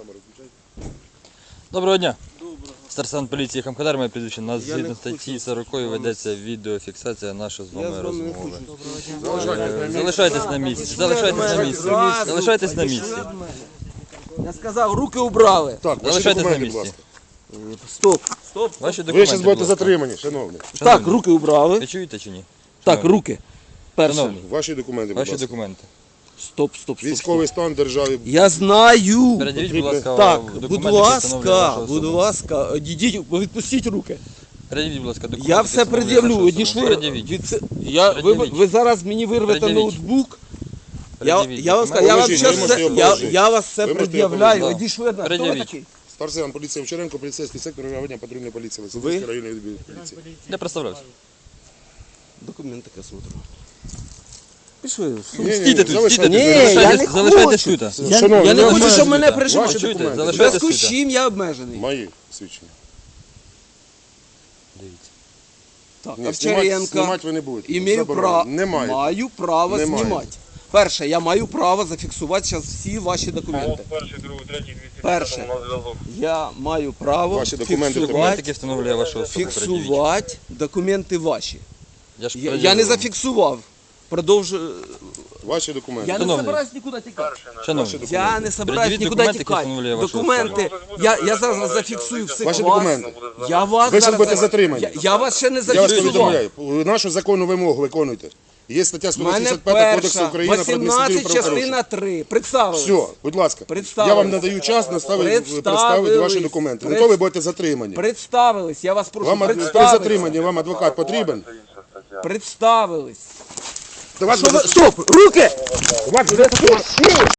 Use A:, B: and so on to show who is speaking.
A: Камеру включай.
B: Доброго дня.
C: Доброго.
B: Старший поліції Хамкадар, моє прізвище. У нас
C: Я
B: згідно
C: не
B: статті
C: хочу
B: 40
C: з вами.
B: ведеться відеофіксація нашої з
C: Я
B: вами
C: з вами не
B: розмови.
C: хочу.
B: Залишайтесь на місці. Залишайтесь на місці. Залишайтесь на місці.
C: Я сказав, руки убрали.
A: Так, ваші
B: Залишайтесь на
A: документи, будь
B: місці.
A: ласка.
C: Стоп. Стоп.
B: Ваші
A: Ви
B: документи,
A: зараз
B: будь
A: будете
B: ласка.
A: затримані, шановний.
C: Так, руки убрали.
B: Ви чуєте чи ні?
C: Так,
B: Шановні.
C: руки. Перше.
B: Шановні,
A: Ваші документи, будь
B: ваші
A: ласка.
B: документи.
C: Стоп.
A: Військовий стан в державі.
C: Я знаю.
B: Передивіть, будь ласка,
C: Так,
B: документи,
C: будь
B: які
C: ласка,
B: встановлюють вашу
C: будь
B: особу.
C: ласка, відійдіть, відпустіть руки.
B: Передивіть, будь ласка, документи.
C: Я
B: які
C: все
B: встановлюють
C: пред'явлю,
B: вашу особу.
C: одійшли.
B: Пред'явіть.
C: Ви зараз мені вирвете
B: Пред'явіть.
C: ноутбук.
B: Пред'явіть
C: Я вам
B: документи.
C: я вам
A: Положіть,
C: щас
A: ви можете
C: все,
A: його
C: я
A: положити.
C: вас все
A: Ви можете
C: пред'являю.
B: його
C: Одійшли одна. Хто ви
B: Пред'явіть.
C: такий?
A: Старший сержант поліції Овчаренко, поліцейський сектор реагування патрульної поліції.
C: Ви?
A: Лисичанський районний відділ поліції.
B: Я представлявся.
C: Документи я смотрю. Пішли.
B: Стійте тут, стійте тут.
C: Ні, я не
B: Залишайтесь
C: хочу.
B: тут.
A: Шановний,
C: Я не
A: ви
C: хочу, щоб мене
B: Ваші
C: прижимали.
A: Ваші
B: чуєте?
A: документи.
C: В
B: Залишайтесь
C: зв'язку з
B: тут.
C: чим я обмежений.
A: Мої свідчення.
B: Дивіться.
C: Так,
A: Ні,
C: Овчаренко.
A: знімати ви не будете.
C: Маю
A: Немає.
C: право
A: Немає.
C: знімати. Перше, я маю право зафіксувати зараз всі ваші документи.
D: Перший, другий, третій, 205
C: Перше.
D: на зв'язок.
C: Я маю право
A: Ваші документи
B: Документи, які встановлює вашу особу, пред'явіть.
C: фіксувати документи ваші.
B: Я ж
C: Я не
B: пред'явив.
C: зафіксував. Продовжую.
A: Ваші документи.
C: Я не
B: Шановний.
C: собираюсь нікуди тікати.
B: Шановні,
C: Я не собираюсь
B: Пред'явіть
C: нікуди
B: документи, які
C: тікати.
B: встановлює вашу
C: Документи. Я зараз зафіксую все.
A: Ваші
C: вас.
A: документи.
C: Я вас
A: Ви зараз
C: зараз
A: будете затримані.
C: Я вас ще не
A: Я вас
C: зафіксував.
A: повідомляю, нашу законну вимогу виконуйте. Є стаття
C: У мене
A: 185 Кодексу
C: перша,
A: України про адміністративні
C: 18 частина
A: правопорушення.
C: 3. Представились.
A: Все, будь ласка.
C: Представились.
A: Я вам надаю час представити ваші документи. Ну то ви будете затримані.
C: Представились. Я вас прошу,
A: Вам при
C: представились.
A: затриманні вам адвокат потрібен?
C: Представились.
A: До вас
C: Що ви...
A: буде-
C: Стоп! Руки!
A: до вас буде-